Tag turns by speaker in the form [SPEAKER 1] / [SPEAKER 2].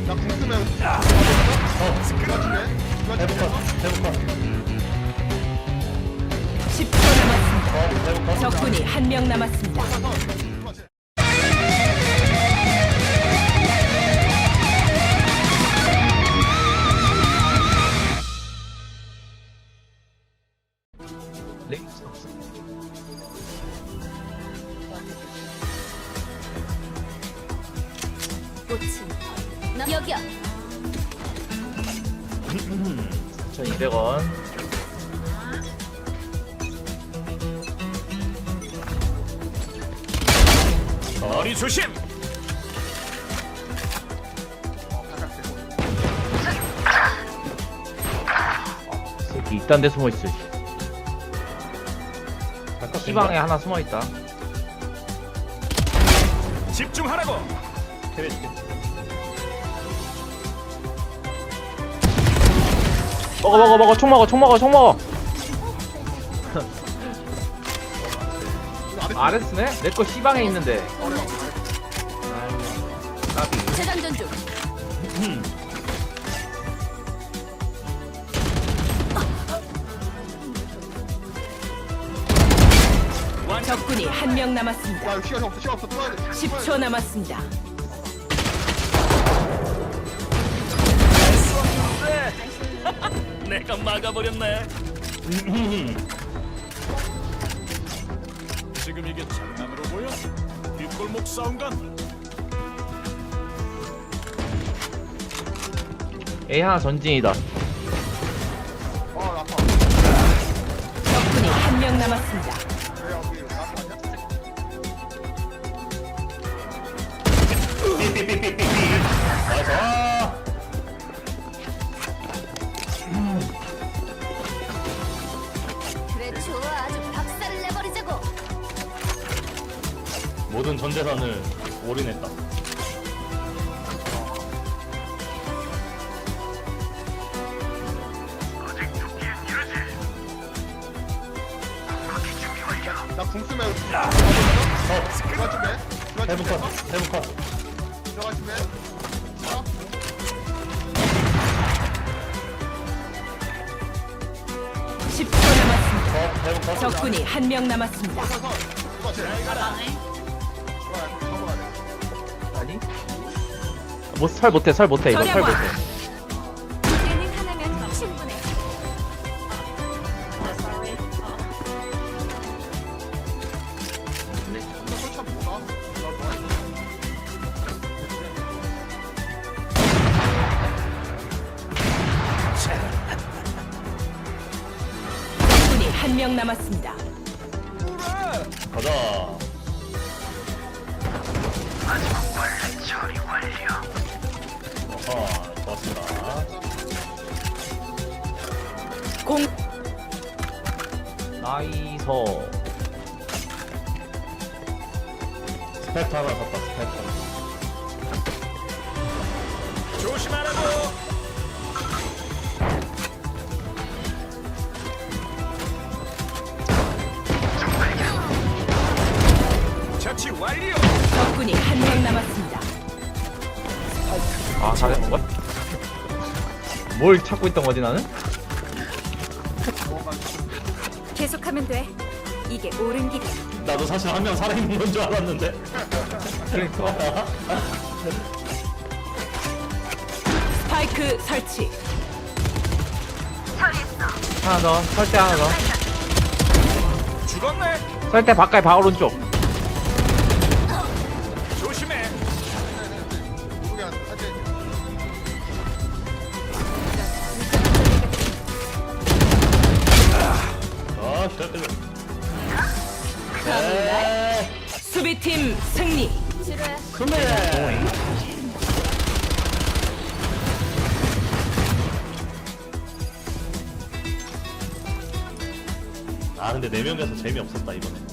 [SPEAKER 1] 나 궁금해.
[SPEAKER 2] 대북컷
[SPEAKER 3] 10초 남았습니다. 적군이 한 명 남았습니다.
[SPEAKER 2] 레이스 없어.
[SPEAKER 4] 꽃이 여기야.
[SPEAKER 2] 1,200원.
[SPEAKER 5] 머리 조심.
[SPEAKER 2] 새끼 이딴 데 숨어 있어. 시방에 하나 숨어 있다.
[SPEAKER 5] 집중하라고.
[SPEAKER 2] 먹어. 총 먹어. 아레스네? 내 거 시방에 있는데. 까비.
[SPEAKER 4] 재장전 중.
[SPEAKER 3] 적군이 한 명 남았습니다.
[SPEAKER 1] 야, 시간 없어. 또 가야 돼.
[SPEAKER 3] 10초 남았습니다.
[SPEAKER 5] 내가 막아버렸네. 지금 이게 장난으로 보여? 뒷골목 싸움 같나?
[SPEAKER 2] A 하나 전진이다.
[SPEAKER 1] 아파.
[SPEAKER 3] 적군이 한 명 남았습니다.
[SPEAKER 1] 왜 여기 아파 아니야?
[SPEAKER 4] 그래 좋아. 아주 박살을 내버리자고.
[SPEAKER 6] 모든 전 재산을 올인했다.
[SPEAKER 1] 나궁 쓰면 들어갈 준비.
[SPEAKER 6] 대북컷
[SPEAKER 1] 들어갈 준비. 자,
[SPEAKER 3] 10초 남았습니다. 적군이 한 명 남았습니다.
[SPEAKER 1] 이거 제.
[SPEAKER 2] 아니? 설 못해. 이거 설
[SPEAKER 3] 절약왕.
[SPEAKER 2] 못해.
[SPEAKER 4] 이제는 하나면 충분해.
[SPEAKER 3] 적군이 한 명 남았습니다.
[SPEAKER 6] 가자. 좋았습니다.
[SPEAKER 3] 공
[SPEAKER 2] 나이서.
[SPEAKER 6] 스펙터 하나 샀다. 스펙터.
[SPEAKER 5] 조심하라고. 처치 완료.
[SPEAKER 3] 적군이 한 명 남았습니다.
[SPEAKER 2] 아, 잘했는 거야? 뭘 찾고 있던 거지 나는?
[SPEAKER 4] 계속하면 돼. 이게 옳은 길이야.
[SPEAKER 6] 나도 사실 한 명 살아있는 건 줄 알았는데.
[SPEAKER 2] 그러니까.
[SPEAKER 3] 스파이크 설치.
[SPEAKER 2] 하나 더. 설대 하나 더.
[SPEAKER 5] 죽었네.
[SPEAKER 2] 설대 바깥에 바 오른쪽.
[SPEAKER 5] 조심해.
[SPEAKER 1] 누구야? 한대.
[SPEAKER 6] 시작되네.
[SPEAKER 3] 수비팀 승리.
[SPEAKER 4] 지루해.
[SPEAKER 6] 아 근데 4명이서 재미없었다 이번에.